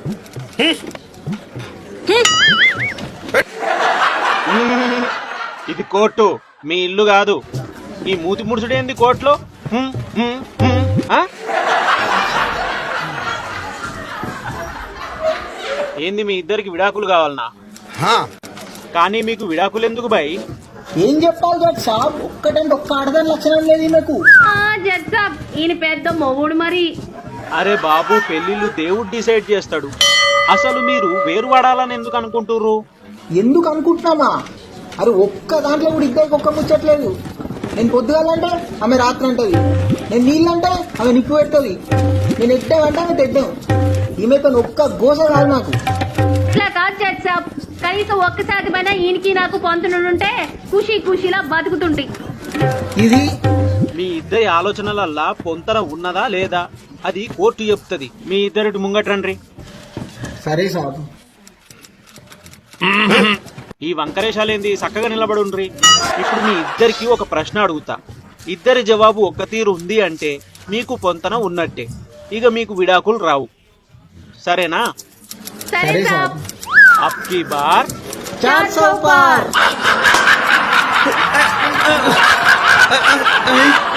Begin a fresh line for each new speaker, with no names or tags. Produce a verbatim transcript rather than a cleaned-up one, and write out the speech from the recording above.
ఇది కోర్టు, మీ ఇల్లు కాదు. ఈ మూతి ముడుచుడేంది కోర్టులో? హ్మ్, హ్మ్, హ్మ్. ఆ? ఏంది మీ ఇద్దరికి విడాకులు కావాలనా? కానీ మీకు విడాకులు ఎందుకు బాయ్?
ఏం చెప్పాలి జడ్ సాబ్, ఒక్కటంటే ఒక్క ఆడదాని లక్షణం లేదు నాకు.
జడ్ సాబ్ ఈయన పెద్ద మొగుడు మరి.
అరే బాబు, పెళ్లిళ్ళు దేవుడు డిసైడ్ చేస్తాడు. అసలు మీరు వేరు పడాలని ఎందుకు అనుకుంటుర్రు?
ఎందుకు అనుకుంటున్నామా? అరే ఒక్క దాంట్లో కూడా ఇద్దరికి ఒక్క ముచ్చట్లేదు. నేను పొద్దుగాలంటే ఆమె రాత్రి అంటది, నేను నీళ్ళంటే ఆమె నిప్పు పెడుతుంది, నేను ఎట్టామంటే ఆమె తెడ్డాం. ఈమెతో ఒక్క గోస కాదు నాకు.
ఇట్లా కాదు జడ్ సాబ్, కనీసం ఒక్కసారి పైన ఈయనకి నాకు పొంతనుంటే ఖుషి ఖుషిలా బతుకుతుంటే.
ఇది
మీ ఇద్దరి ఆలోచనలల్లా పొంతన ఉన్నదా లేదా అది కోర్టు చెప్తుంది. మీ ఇద్దరిటి ముంగట్రండ్రి.
సరే సాబ్.
ఈ వంకరేశాలేంది, చక్కగా నిలబడుండ్రి. ఇప్పుడు మీ ఇద్దరికి ఒక ప్రశ్న అడుగుతా. ఇద్దరి జవాబు ఒక్క తీరు ఉంది అంటే మీకు పొంతన ఉన్నట్టే. ఇక మీకు విడాకులు రావు. సరేనా?
సరే సాబ్.
అప్కి బార్
చార్ సో పార్.